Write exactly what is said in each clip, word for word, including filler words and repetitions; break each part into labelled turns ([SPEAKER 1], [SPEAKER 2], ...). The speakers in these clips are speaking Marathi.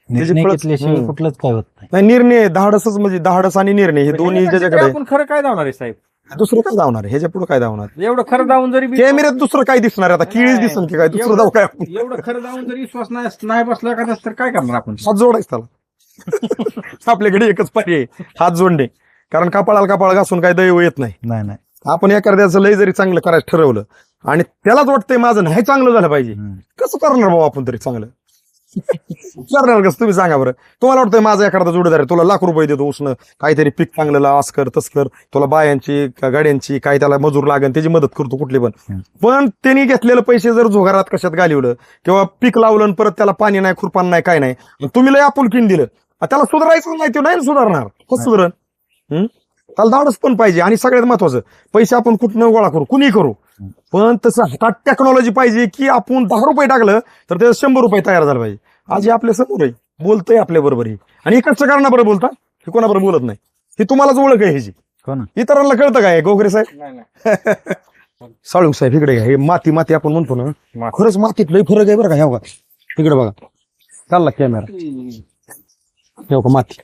[SPEAKER 1] निर्णय
[SPEAKER 2] फळं-
[SPEAKER 1] घेतल्याशिवाय
[SPEAKER 2] हम्म.
[SPEAKER 1] कुठलंच काय होत नाही.
[SPEAKER 2] नाही निर्णय धाडसच म्हणजे धाडस आणि निर्णय हे दोन्ही ज्याच्याकडे आहे,
[SPEAKER 3] आपण खरं काय धावणार आहे साहेब?
[SPEAKER 2] दुसरं काय धावणार आहे? ह्याच्या पुढे काय धावणार?
[SPEAKER 3] एवढं खरं धावून जरी बी-
[SPEAKER 2] कॅमेऱ्यात दुसरं काय दिसणार आहे? आता किळीच
[SPEAKER 3] नाही.
[SPEAKER 2] दिसन की काय दुसरं
[SPEAKER 3] एवढं-
[SPEAKER 2] धाव काय आपण?
[SPEAKER 3] एवढं खरं धावून जरी विश्वास नाही नाही बसला का तर काय करणार आपण?
[SPEAKER 2] हात जोडायच त्याला. आपल्याकडे एकच पर्याय आहे, हात जोडणे. कारण कपाळाला कपाळ घासून काय दैव येत नाही.
[SPEAKER 1] नाही नाही
[SPEAKER 2] आपण एखाद्याचं लय जरी चांगलं करायचं ठरवलं आणि त्यालाच वाटतंय माझं नाही चांगलं झालं पाहिजे,
[SPEAKER 1] हम्म.
[SPEAKER 2] कसं करणार बाबा आपण तरी चांगलं? करणार कसं तुम्ही सांगा बरं. तुम्हाला वाटतंय माझा एखादा जोडीदार आहे, तुला लाख रुपये देतो उसनं, काहीतरी पीक चांगलं लाव, असं कर तसं कर, तुला बायांची का गाड्यांची काय त्याला मजूर लागेल त्याची मदत करतो कुठली पण.
[SPEAKER 1] हम्म.
[SPEAKER 2] पण त्यांनी घेतलेले पैसे जर झोगारात कशात घालवलं किंवा पीक लावलं आणि परत त्याला पाणी नाही खुरपान नाही काय नाही, मग तुम्ही लय आपुलकीन दिलं, त्याला सुधारायचं नाही, ते नाही सुधारणार. कसं सुधारण? हम्म? त्याला धाडस पण पाहिजे. आणि सगळ्यात महत्वाचं, पैसे आपण कुठनं गोळा करू, कुणी करू, पण तसं हातात टेक्नॉलॉजी पाहिजे की आपण दहा रुपये टाकलं तर त्याचं शंभर रुपये तयार झाला पाहिजे. आज हे आपल्या समोर आहे, बोलतंय आपल्या बरोबर. आणि हे कष्ट करण्याबरोबर बोलता, हे कोणाबरोबर बोलत नाही. हे तुम्हालाच ओळख आहे ह्याची.
[SPEAKER 1] हो ना.
[SPEAKER 2] इतरांना कळतं काय गोगरे साहेब?
[SPEAKER 3] नाही, नाही.
[SPEAKER 2] साळुंग साहेब इकडे घ्या. हे माती माती आपण म्हणतो ना,
[SPEAKER 3] माती.
[SPEAKER 2] खरंच मातीत लय फरक आहे बरं का. हे बघा इकडे बघा, चालला कॅमेरा, हे बघा माती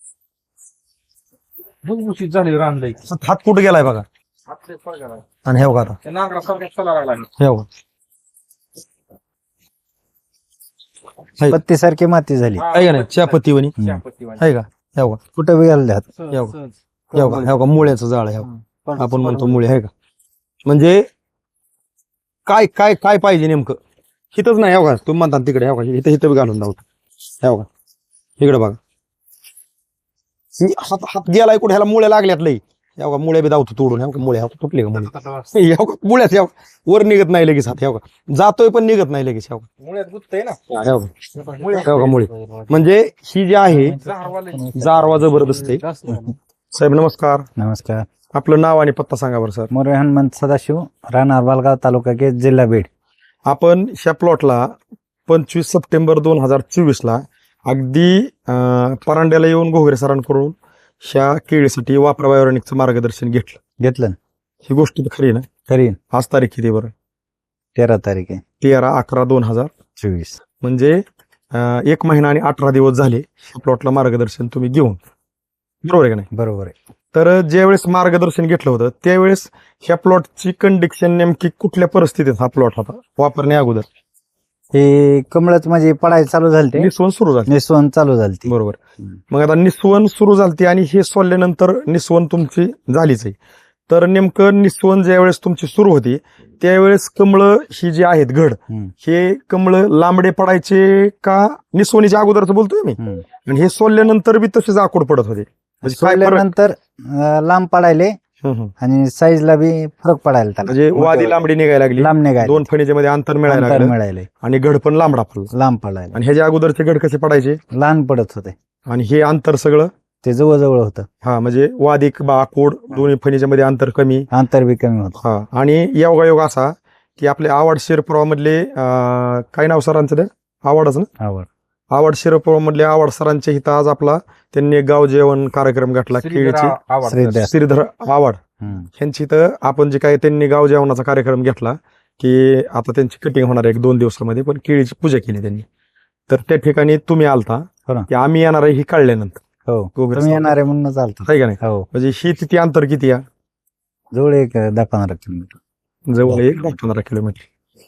[SPEAKER 3] भुसभुशीत झाली रानलंय.
[SPEAKER 2] हात कुठे गेलाय बघा.
[SPEAKER 3] हात लय फळ गेला.
[SPEAKER 2] आणि हे बघा आता,
[SPEAKER 3] त्या नांगरासारखा चला लागला.
[SPEAKER 2] हे बघा आहे.
[SPEAKER 1] पत्तीसारखी माती झाली.
[SPEAKER 2] आहे का नाही चहापत्ती वणी
[SPEAKER 3] चहापत्तीवाणी.
[SPEAKER 2] आहे का? हे बघा,
[SPEAKER 1] कुठं बी घालले हात.
[SPEAKER 3] सहज,
[SPEAKER 2] येऊ.
[SPEAKER 3] सहज.
[SPEAKER 2] हे बघा, हे बघा मुळ्याचं जाळ आहे, हे बघा.
[SPEAKER 3] हम्म.
[SPEAKER 2] आपण म्हणतो मुळे आहे का. म्हणजे काय काय काय पाहिजे नेमकं हिथंच नाही. हे बघा तुम्ही म्हणता तिकडे, हे बघा इथं इथं बी घालून धावतो. हे बघा इकडे बघा, ही हात हात गेलाय कुठे, ह्याला मुळ्या लागल्यात लई. हे बघा मुळ्या बी धावतो तोडून. हे बघा मुळे तुटले का मुळे, हे बघा मुळ्यात, हे बघा वर निघत नाही लगेच हात. हे बघा जातोय पण निघत नाही लगेच. हे बघा,
[SPEAKER 3] मुळ्यात गुत्तय ना.
[SPEAKER 2] हे बघा, हे बघा मुळे. म्हणजे ही जी आहे
[SPEAKER 3] झाडवाले.
[SPEAKER 2] जारवा जबरदस्त आहे. साहेब नमस्कार,
[SPEAKER 1] नमस्कार.
[SPEAKER 2] आपलं नाव आणि पत्ता सांगा बरं सर.
[SPEAKER 1] मोरे हनुमंत सदाशिव, राहणार बालगाव, तालुका केज, जिल्हा बीड.
[SPEAKER 2] आपण ह्या प्लॉटला पंचवीस सप्टेंबर दोन हजार चोवीस ला अगदी अं, परांड्याला येऊन घोगरे सरांकडून ह्या केळीसाठी वापरा बायोरेनिकचं मार्गदर्शन घेतलं.
[SPEAKER 1] घेतलं ना.
[SPEAKER 2] ही गोष्ट तर खरी ना.
[SPEAKER 1] खरी
[SPEAKER 2] आज तारीख किती बरं?
[SPEAKER 1] तेरा तारीख आहे
[SPEAKER 2] तेरा अकरा दोन हजार
[SPEAKER 1] चोवीस.
[SPEAKER 2] म्हणजे अं, एक महिना आणि अठरा दिवस झाले प्लॉटला मार्गदर्शन तुम्ही घेऊन, बरोबर आहे का नाही?
[SPEAKER 1] बरोबर आहे.
[SPEAKER 2] तर ज्यावेळेस मार्गदर्शन घेतलं होतं त्यावेळेस ह्या प्लॉटची कंडिशन नेमकी कुठल्या परिस्थितीत हा प्लॉट होता वापरण्या अगोदर?
[SPEAKER 1] हे कमळच म्हणजे पडायला चालू झालते,
[SPEAKER 2] निस्वन सुरू झाली,
[SPEAKER 1] निस्वन चालू झालती.
[SPEAKER 2] बरोबर.
[SPEAKER 1] हम्म.
[SPEAKER 2] मग आता निस्वन सुरू झालती आणि हे सोडल्यानंतर निस्वन तुमची झालीच आहे. तर नेमकं निस्वन ज्यावेळेस तुमची सुरू होती त्यावेळेस कमळ ही जी आहेत घड,
[SPEAKER 1] हम्म.
[SPEAKER 2] हे कमळ लांबडे पडायचे का निस्वनीच्या अगोदरच बोलतोय मी,
[SPEAKER 1] हम्म.
[SPEAKER 2] आणि हे सोडल्यानंतर बी तसेच आकोड पडत होते? म्हणजे काय फरक?
[SPEAKER 1] सोडल्यानंतर अं, लांब पडायले
[SPEAKER 2] हं, हं.
[SPEAKER 1] आणि साईजला बी फरक पडायला त्याला.
[SPEAKER 2] म्हणजे वादी लांबडी निघायला लागली,
[SPEAKER 1] लांब निघायला,
[SPEAKER 2] दोन फणीच्या मध्ये अंतर मिळायला
[SPEAKER 1] अंतर
[SPEAKER 2] लागलं
[SPEAKER 1] मिळायले,
[SPEAKER 2] आणि घड पण लांबडा पडला.
[SPEAKER 1] लांब पडायला,
[SPEAKER 2] आणि ह्याच्या अगोदरचे घड कसे पडायचे
[SPEAKER 1] लहान पडत होते.
[SPEAKER 2] आणि हे अंतर सगळं,
[SPEAKER 1] ते जवळजवळ होतं,
[SPEAKER 2] हा म्हणजे वादिक बा आकोड दोन्ही फणीच्या मध्ये अंतर कमी.
[SPEAKER 1] अंतर बी कमी होतं.
[SPEAKER 2] हा, आणि योगायोग असा की आपले आवड शिरपुरा मधले अं, काय नाव सरांचं ते आवडच ना,
[SPEAKER 1] आवड
[SPEAKER 2] आवड शिरपुरा मधले आवड सरांच्या इथं आज आपला त्यांनी एक गाव जेवण कार्यक्रम घातला केळीची.
[SPEAKER 3] आवडतं.
[SPEAKER 1] श्रीधर.
[SPEAKER 2] श्रीधर आवड
[SPEAKER 1] हम्म.
[SPEAKER 2] यांची इथं आपण जे काय त्यांनी गाव जेवणाचा कार्यक्रम घेतला की आता त्यांची कटिंग होणार आहे एक दोन दिवसामध्ये, पण केळीची पूजा केली त्यांनी. तर त्या ठिकाणी तुम्ही आलता
[SPEAKER 1] हो ना.
[SPEAKER 2] की आम्ही येणार आहे ही कळल्यानंतर,
[SPEAKER 1] हो,
[SPEAKER 2] वगैरे
[SPEAKER 1] तुम्ही येणार आहे म्हणून चालतं.
[SPEAKER 2] आहे का नाही?
[SPEAKER 1] हो,
[SPEAKER 2] म्हणजे ही तिथे अंतर किती या
[SPEAKER 1] जवळ एक दहा पंधरा किलोमीटर.
[SPEAKER 2] जवळ एक दहा पंधरा किलोमीटर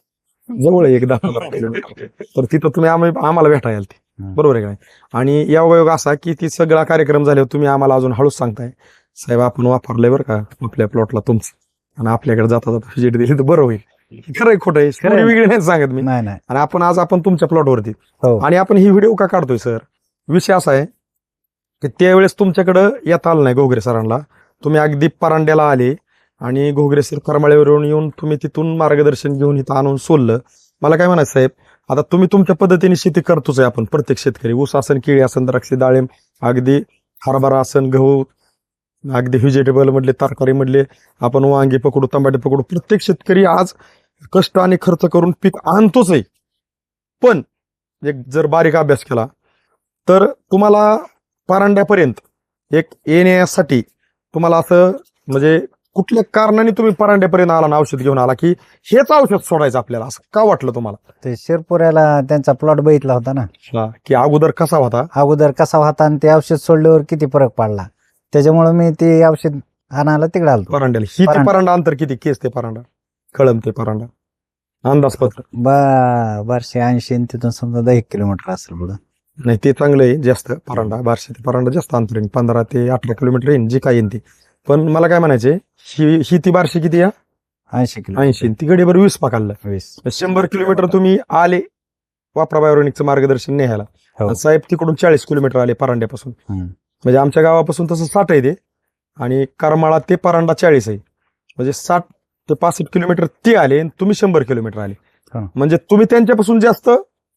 [SPEAKER 2] जवळ एक दहा पंधरा किलोमीटर तर तिथं तुम्ही आम्ही आम्हाला भेटायला आलते,
[SPEAKER 1] हम्म.
[SPEAKER 2] बरोबर आहे का नाही? आणि योगायोग असा की ती सगळा कार्यक्रम झाल्यावर तुम्ही आम्हाला अजून हळूच सांगताय साहेब आपण वापरलंय बरं का आपल्या प्लॉटला तुमचं, आणि आपल्याकडे जाता जाता व्हिजिट दिली तर बरं होईल. खरंय खोटं आहे?
[SPEAKER 1] खरंय.
[SPEAKER 2] वेगळी नाही सांगत मी.
[SPEAKER 1] नाही नाही.
[SPEAKER 2] आणि आपण आज आपण तुमच्या प्लॉटवरती,
[SPEAKER 1] हो,
[SPEAKER 2] आणि आपण ही व्हिडिओ का काढतोय सर? विषय असा आहे की त्यावेळेस तुमच्याकडं येता आलं नाही घोगरे सरांना, तुम्ही अगदी परांड्याला आले आणि घोगरे सर करमाळ्यावरून येऊन तुम्ही तिथून मार्गदर्शन घेऊन इथं आणून सोडलं. मला काय म्हणायचं साहेब, आता तुम्ही तुमच्या पद्धतीने शेती करतोच आहे, आपण प्रत्येक शेतकरी, ऊस असन, केळी असन, द्राक्षे, डाळिंब, अगदी हरभरा असन, गहू, अगदी व्हेजिटेबल मधले, तरकारी मधले, आपण वांगी पकडू, टमाटे पकडू, प्रत्येक शेतकरी आज कष्ट आणि खर्च करून पीक आणतोच आहे. पण एक जर बारीक अभ्यास केला तर तुम्हाला परांड्यापर्यंत एक येण्यासाठी तुम्हाला असं म्हणजे कुठल्या कारणाने तुम्ही परांड्यापर्यंत आला ना औषध घेऊन आला की हेच औषध सोडायचं आपल्याला असं का वाटलं तुम्हाला?
[SPEAKER 1] ते शिरपुऱ्याला त्यांचा प्लॉट बघितला होता ना,
[SPEAKER 2] हा, की अगोदर कसा होता?
[SPEAKER 1] अगोदर कसा होता आणि ते औषध सोडल्यावर किती फरक पडला, त्याच्यामुळे मी ते औषध आणायला तिकडे आलो.
[SPEAKER 2] परांड्याला ही ते
[SPEAKER 1] परांडा.
[SPEAKER 2] परांडा अंतर किती? केस ते परांडा, कळम ते परांडा, अंदाजपत्र?
[SPEAKER 1] बा बारशे ऐंशी आणि तिथून समजा दहा एक किलोमीटर असेल पुढं.
[SPEAKER 2] नाही ते चांगलं आहे जास्त. परांडा बारशे ते परांडा जास्त अंतर येईल, पंधरा ते अठरा किलोमीटर येईल जे काय येईल ते. पण मला काय म्हणायचे, ही ही ती बारशे किती या?
[SPEAKER 1] ऐंशी किलो
[SPEAKER 2] ऐंशी. ती गडीभर वीस पाकाला
[SPEAKER 1] वीस.
[SPEAKER 2] शंभर किलोमीटर तुम्ही आले वापरा बायोनिकचं मार्गदर्शन न्यायला.
[SPEAKER 1] हो.
[SPEAKER 2] आणि साहेब तिकडून चाळीस किलोमीटर आले परांड्यापासून.
[SPEAKER 1] हम्म.
[SPEAKER 2] म्हणजे आमच्या गावापासून तसं साठ आहे ते, आणि करमाळा ते परांडा चाळीस आहे. म्हणजे साठ ते पासष्ट किलोमीटर ते आले आणि तुम्ही शंभर किलोमीटर आले.
[SPEAKER 1] हो.
[SPEAKER 2] म्हणजे तुम्ही त्यांच्यापासून जास्त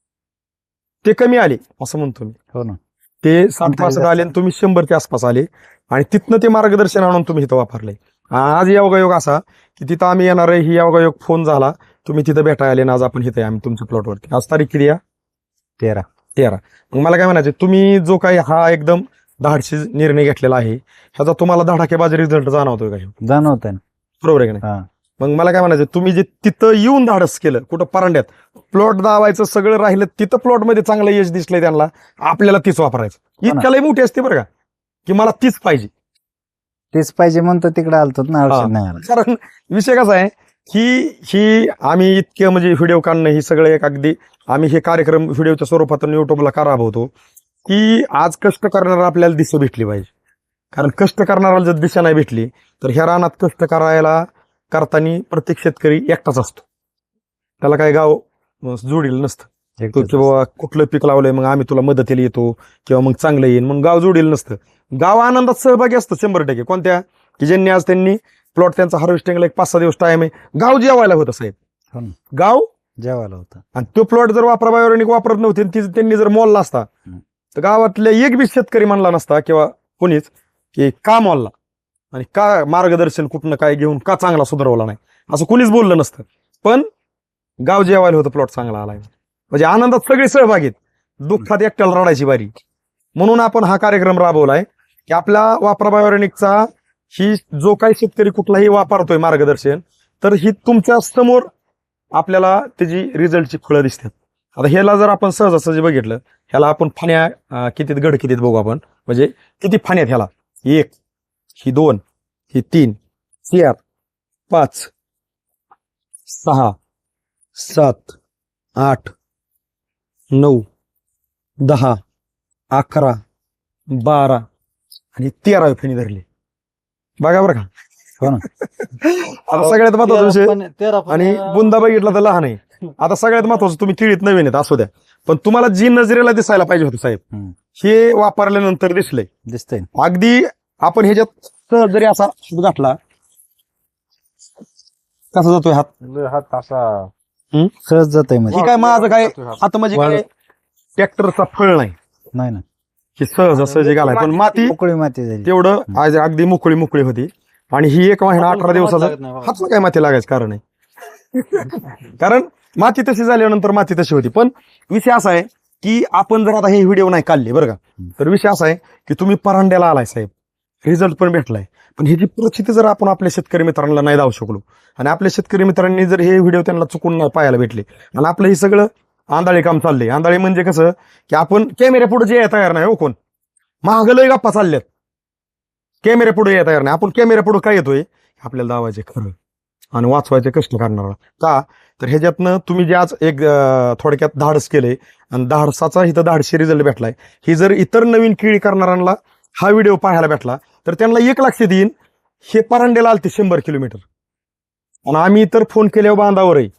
[SPEAKER 2] ते कमी आले असं म्हणतो मी.
[SPEAKER 1] हो ना.
[SPEAKER 2] ते साठ
[SPEAKER 1] अंतर
[SPEAKER 2] पासष्ट
[SPEAKER 1] जास्त.
[SPEAKER 2] आले आणि तुम्ही शंभरच्या आसपास आले, आणि तिथनं ते मार्गदर्शन आणून तुम्ही इथं वापरले. आज योगायोग असा की तिथं आम्ही येणार आहे, ही योगायोग फोन झाला, तुम्ही तिथं भेटायला आले ना, आज आपण इथे आहे आम्ही तुमच्या प्लॉटवरती. आज तारीख किती या?
[SPEAKER 1] तेरा.
[SPEAKER 2] तेरा. मग मला काय म्हणायचं, तुम्ही जो काही हा एकदम धाडशी निर्णय घेतलेला आहे, ह्याचा तुम्हाला धडाकेबाज रिझल्ट जाणवतोय का?
[SPEAKER 1] जाणवत आहे ना.
[SPEAKER 2] बरोबर आहे का नाही?
[SPEAKER 1] हा.
[SPEAKER 2] मग मला काय म्हणायचं, तुम्ही जे तिथं येऊन धाडस केलं, कुठं परांड्यात प्लॉट दावायचं सगळं राहिलं, तिथं प्लॉट मध्ये चांगलं यश दिसलंय त्यांना, आपल्याला तीच वापरायचं.
[SPEAKER 1] ना.
[SPEAKER 2] इतक्यालाही मोठी असते बरं का, की मला तीच पाहिजे.
[SPEAKER 1] तेच पाहिजे म्हणतो तिकडे आलतो ना,
[SPEAKER 2] हा.
[SPEAKER 1] औषध नाही आलं.
[SPEAKER 2] कारण विषय कसा आहे की ही आम्ही इतके म्हणजे व्हिडिओ काढणं ही सगळं एक अगदी आम्ही हे कार्यक्रम व्हिडिओच्या स्वरूपातून युट्यूबला का राबवतो, की आज कष्ट करणारा आपल्याला दिशा भेटली पाहिजे. कारण कष्ट करणाऱ्याला जर दिशा नाही भेटली तर ह्या रानात कष्ट करायला करताना प्रत्येक शेतकरी एकटाच असतो. त्याला काय गाव अं, जोडील नसतं. तो की बाबा कुठलं पीक लावलंय मग आम्ही तुला मदतीला येतो किंवा मग चांगलं येईल म्हणून गाव जोडील नसतं. गाव आनंदात सहभागी असतं शंभर टक्के. कोणत्या? की ज्यांनी आज त्यांनी प्लॉट त्यांचा हार्वेस्टिंगला एक पाच सहा दिवस टाइम आहे, गाव जेवायला होतं साहेब.
[SPEAKER 1] हो ना.
[SPEAKER 2] गाव
[SPEAKER 1] जेवायला होतं.
[SPEAKER 2] आणि तो प्लॉट जर वापरा बायोनिक वापरत नव्हते आणि ती- त्यांनी जर मोलला असता
[SPEAKER 1] हम्म.
[SPEAKER 2] तर गावातल्या एक बी शेतकरी म्हणला नसता किंवा कोणीच की का मोलला आणि का मार्गदर्शन कुठनं काय घेऊन का चांगला सुधारवला नाही असं कोणीच बोललं नसतं. पण गाव जेवायला होतं, प्लॉट चांगला आलाय. म्हणजे आनंदात सगळे सहभागी आहेत, दुःखात एकट्याला रडायची बारी. म्हणून आपण हा कार्यक्रम राबवलाय की आपला वापरा बायोनिकचा ही जो काही शेतकरी कुठलाही वापरतोय मार्गदर्शन, तर ही तुमच्या समोर आपल्याला त्याची रिझल्टची फळं दिसतात. आता ह्याला जर आपण सहजासहजी बघितलं, ह्याला आपण फाण्या अं, कितीत गड कितीत बघू आपण, म्हणजे किती फाण्यात ह्याला, एक, ही दोन, ही तीन, चार, पाच, सहा, सात, आठ, नऊ, दहा, अकरा, बारा आणि तेरावी फेणी धरली. बघा बरं का.
[SPEAKER 1] हो ना.
[SPEAKER 2] आता सगळ्यात महत्वाचा विषय, आणि बुंदा बघितला तर लहान आहे. आता सगळ्यात महत्वाचं, तुम्ही केळीत नवीन आहेत असू द्या, पण तुम्हाला जी नजरेला दिसायला पाहिजे होतं साहेब,
[SPEAKER 1] हम्म.
[SPEAKER 2] हे वापरल्यानंतर दिसलंय.
[SPEAKER 1] दिसतंय.
[SPEAKER 2] अगदी आपण ह्याच्यात सहज जरी असा हात घातला, कसा जातोय हात?
[SPEAKER 3] हात असा
[SPEAKER 1] सहज जातोय म्हणजे.
[SPEAKER 2] ही काय माझं काय हात म्हणजे काय ट्रॅक्टरचा फळ नाही,
[SPEAKER 1] नाही ना.
[SPEAKER 2] हे सहज असं जे घालाय. पण माती
[SPEAKER 1] मोकळी माती झाली.
[SPEAKER 2] तेवढं आज अगदी मोकळी मोकळी होती. आणि ही एक महिना अठरा दिवसाचा हातला काय माती लागायचं कारण आहे. कारण माती तशी झाल्यानंतर माती तशी होती. पण विषय असा आहे की आपण जर आता हे व्हिडिओ नाही काढले बरं का, तर विषय असा आहे की तुम्ही परांड्याला आलाय साहेब, रिझल्ट पण भेटलाय, पण ह्याची परिस्थिती जर आपण आपल्या शेतकरी मित्रांना नाही दावू शकलो, आणि आपल्या शेतकरी मित्रांनी जर हे व्हिडिओ त्यांना चुकून नाही पाहायला भेटले, आणि आपलं हे सगळं आंधळी काम चाललंय. आंधळी म्हणजे कसं की आपण कॅमेऱ्या पुढे जे तयार नाही हो, कोण महागलय गप्पा चालल्यात, कॅमेऱ्या पुढे या तयार नाही. आपण कॅमेऱ्या पुढे काय येतोय, आपल्याला दावायचे खरं आणि वाचवायचे कष्ट करणार का. तर ह्याच्यातनं तुम्ही जे आज एक अं, थोडक्यात धाडस केलंय आणि धाडसाचा इथं धाडशी रिझल्ट भेटलाय. ही जर इतर नवीन केळी करणाऱ्यांना हा व्हिडिओ पाहायला भेटला तर त्यांना एक लक्षात येईन, हे परांड्याला आलते शंभर किलोमीटर आणि आम्ही इतर फोन केल्यावर बांधावर आहे.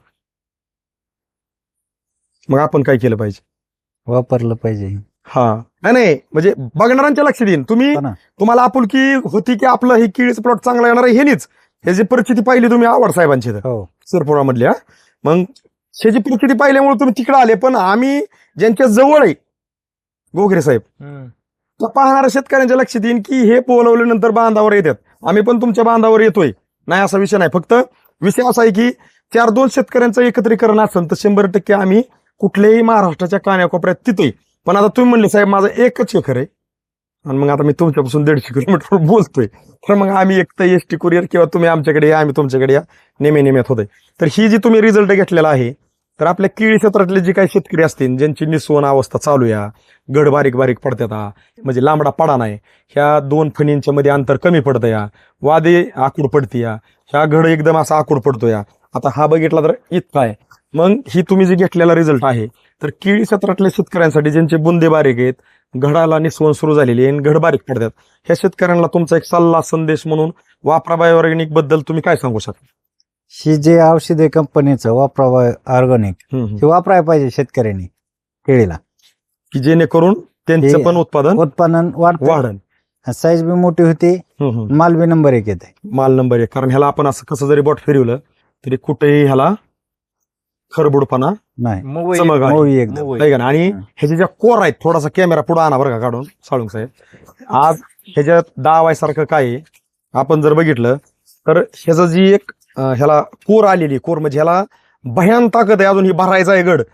[SPEAKER 2] मग आपण काय केलं पाहिजे?
[SPEAKER 1] वापरलं पाहिजे.
[SPEAKER 2] हा, नाही नाही म्हणजे बघणाऱ्यांच्या लक्षात येईन. तुम्ही
[SPEAKER 1] हो ना.
[SPEAKER 2] तुम्हाला आपुलकी होती की आपलं हे केळीचं प्लॉट चांगला येणार आहे, हे नीच ह्याची परिस्थिती पाहिली तुम्ही आवड साहेबांची तर
[SPEAKER 1] हो.
[SPEAKER 2] सिरपुरामधल्या. मग ह्याची परिस्थिती पाहिल्यामुळे तुम्ही तिकडे आले. पण आम्ही ज्यांच्या जवळ आहे गोगरे साहेब, तर पाहणाऱ्या शेतकऱ्यांच्या लक्षात येईन की हे बोलवल्यानंतर बांधावर येतात. आम्ही पण तुमच्या बांधावर येतोय, नाही असा विषय नाही. फक्त विषय असा आहे की चार दोन शेतकऱ्यांचं एकत्रीकरण असेल तर शंभर टक्के आम्ही कुठल्याही महाराष्ट्राच्या कान्याकोपऱ्यात तिथे. पण आता तुम्ही म्हणले साहेब माझं एकच एकर आहे आणि मग आता मी तुमच्यापासून दीडशे किलोमीटर बोलतोय, तर मग आम्ही एक तर एस टी कुरिअर किंवा तुम्ही आमच्याकडे या, आम्ही तुमच्याकडे या, नेमे नेम्यात होतोय. तर ही जी तुम्ही रिझल्ट घेतलेला आहे, तर आपल्या केळी क्षेत्रातले जे काही शेतकरी असतील ज्यांची निस्वन अवस्था चालू या, गड बारीक बारीक पडतात हा, म्हणजे लांबडा पडा नाही, ह्या दोन फणींच्या मध्ये अंतर कमी पडतं या, वादे आकूड पडते या, ह्या घड एकदम असा आकूड पडतो या, आता हा बघितला तर इतका आहे. मग ही तुम्ही जे घेतलेला रिझल्ट आहे, तर केळी क्षेत्रातल्या शेतकऱ्यांसाठी ज्यांचे बुंदे बारीक आहेत, घडाला निस्वन सुरू झालेली आहे आणि घड बारीक पडतात, ह्या शेतकऱ्यांना तुमचा एक सल्ला संदेश म्हणून वापरा बायोऑर्गॅनिक बद्दल तुम्ही काय सांगू शकता?
[SPEAKER 1] ही जे औषध आहे कंपनीचं वापरा ऑर्गॅनिक हे वापरायला पाहिजे शेतकऱ्यांनी केळीला,
[SPEAKER 2] की जेणेकरून त्यांचं
[SPEAKER 1] हे
[SPEAKER 2] पण उत्पादन
[SPEAKER 1] उत्पादन वाढतं,
[SPEAKER 2] वाढन,
[SPEAKER 1] साईज बी मोठी होती, माल बी नंबर एक येते.
[SPEAKER 2] माल नंबर एक. कारण ह्याला आपण असं कसं जरी बोट फिरवलं तरी कुठेही ह्याला खरबुडपणा
[SPEAKER 1] नाही,
[SPEAKER 2] चमक आहे.
[SPEAKER 1] मोळी एकदम.
[SPEAKER 2] आहे का ना? आणि ह्याचे ज्या कोर आहेत, थोडासा कॅमेरा पुढे आणा बरं का काढून साळुंग साहेब. आज ह्याच्यात दावायसारखं काय आहे, आपण जर बघितलं तर ह्याचं जी एक अं, ह्याला कोर आलेली, कोर म्हणजे ह्याला भयान ताकद आहे, अजून ही भरायचा आहे गड.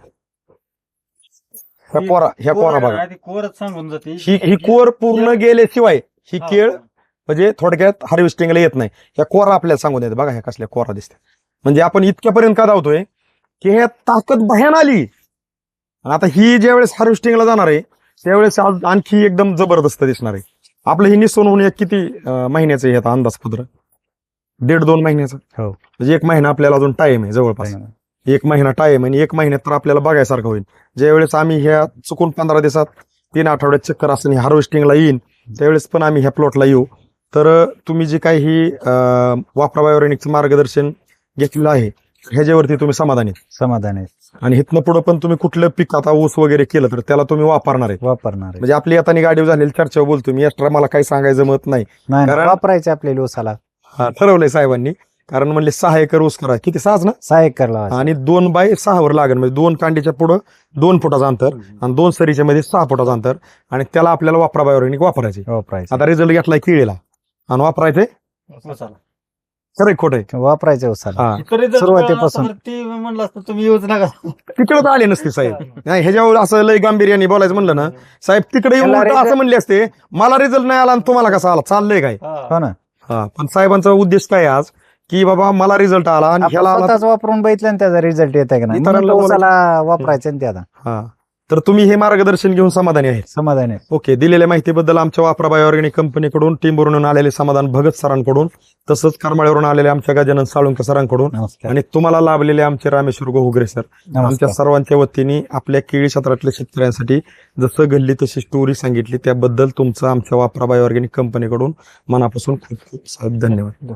[SPEAKER 2] ह्या कोरा ह्या कोरा बघा,
[SPEAKER 3] कोरच सांगून जाते
[SPEAKER 2] ही ही कोर पूर्ण गेल्याशिवाय ही केळ म्हणजे थोडक्यात हार्वेस्टिंगला येत नाही. ह्या कोरा आपल्याला सांगून येते बघा, ह्या कसल्या कोरा दिसते. म्हणजे आपण इतक्यापर्यंत का धावतोय की ह्या ताकद भयान आली. आणि आता ही ज्या वेळेस हार्वेस्टिंगला जाणार आहे त्यावेळेस आज आणखी एकदम जबरदस्त दिसणार आहे. आपलं ही निस्वन होऊन एक किती अं, महिन्याचं आहे आता अंदाजपत्र? दीड दोन महिन्याचं.
[SPEAKER 1] हो.
[SPEAKER 2] म्हणजे एक महिना आपल्याला अजून टाइम आहे जवळपास. एक महिना टाइम आणि एक महिन्यात तर आपल्याला बघायसारखं होईल. ज्यावेळेस आम्ही ह्या चुकून पंधरा दिवसात तीन आठवड्यात चक्कर असताना हार्वेस्टिंगला येईन त्यावेळेस पण आम्ही ह्या प्लॉटला येऊ. तर तुम्ही जे काही ही अं, वापरा बायोऑर्गॅनिकचं मार्गदर्शन घेतलेलं आहे ह्याच्यावरती तुम्ही समाधानी
[SPEAKER 1] समाधान आहे,
[SPEAKER 2] आणि इथनं पुढे पण तुम्ही कुठलं पीक आता ऊस वगैरे केलं तर त्याला तुम्ही वापरणार आहे.
[SPEAKER 1] वापरणार आहे.
[SPEAKER 2] म्हणजे आपली आता गाडीवर झालेली चर्चा बोलतो मी, एक्स्ट्रा मला काही सांगायचं मत नाही.
[SPEAKER 1] नाही,
[SPEAKER 2] कारण-
[SPEAKER 1] वापरायचे आपल्याला ऊसाला.
[SPEAKER 2] हा, ठरवलंय साहेबांनी. कारण म्हणले सहा एकर ऊस करा, किती सहाच ना,
[SPEAKER 1] सहा एकर लावायचं.
[SPEAKER 2] आणि दोन बाय सहावर लागेल, म्हणजे दोन कांडीच्या पुढं दोन फुटाचं अंतर आणि दोन सरीच्या मध्ये सहा फुटाचं अंतर, आणि त्याला आपल्याला वापरा बायोऑर्गॅनिक वापरायचे.
[SPEAKER 1] वापरायचं
[SPEAKER 2] आता रिझल्ट घेतलाय केळीला आणि वापरायचे खरं खोट आहे.
[SPEAKER 1] वापरायचे ऊसाला.
[SPEAKER 2] हा,
[SPEAKER 1] सुरुवातीपासून.
[SPEAKER 3] ते म्हणलं असतं तुम्ही येऊच नका.
[SPEAKER 2] तिकडे तर आले नसते साहेब. नाही, ह्याच्यावर असं लय गांभीर्याने बोलायचं म्हणलं ना साहेब, तिकडे येऊन
[SPEAKER 1] त्याला
[SPEAKER 2] उलटं
[SPEAKER 1] result-
[SPEAKER 2] असं म्हणले असते, मला रिझल्ट नाही आला आणि तुम्हाला कसा आला, चाललंय काय?
[SPEAKER 1] हो ना,
[SPEAKER 2] हा, पण साहेबांचा उद्देश काय आहे आज, की बाबा मला रिझल्ट आला आणि
[SPEAKER 1] आपण
[SPEAKER 2] ह्याला आला.
[SPEAKER 1] स्वतःच वापरून बघितलं आणि त्याचा रिझल्ट येत आहे का नाही,
[SPEAKER 2] इतरांना
[SPEAKER 1] म्हणून ऊसाला वापरायचं आणि त्याला
[SPEAKER 2] हा, तर तुम्ही हे मार्गदर्शन घेऊन समाधानी आहे.
[SPEAKER 1] समाधान आहे.
[SPEAKER 2] ओके, दिलेल्या माहितीबद्दल आमच्या वापरा बायोऑर्गॅनिक कंपनीकडून, टीमवरून आलेले समाधान भगत सरांकडून, तसंच करमाळ्यावरून आलेले आमच्या गजानन साळुंके सरांकडून,
[SPEAKER 1] नमस्कार.
[SPEAKER 2] आणि तुम्हाला लाभलेले आमचे रामेश्वर घोगरे सर, आमच्या
[SPEAKER 1] नमस्कार.
[SPEAKER 2] सर्वांच्या वतीने आपल्या केळी क्षेत्रातल्या शेतकऱ्यांसाठी जसं घडली तशी स्टोरी सांगितली त्याबद्दल तुमचं आमच्या वापरा बायोऑर्गॅनिक कंपनीकडून मनापासून खूप खूप साहेब धन्यवाद.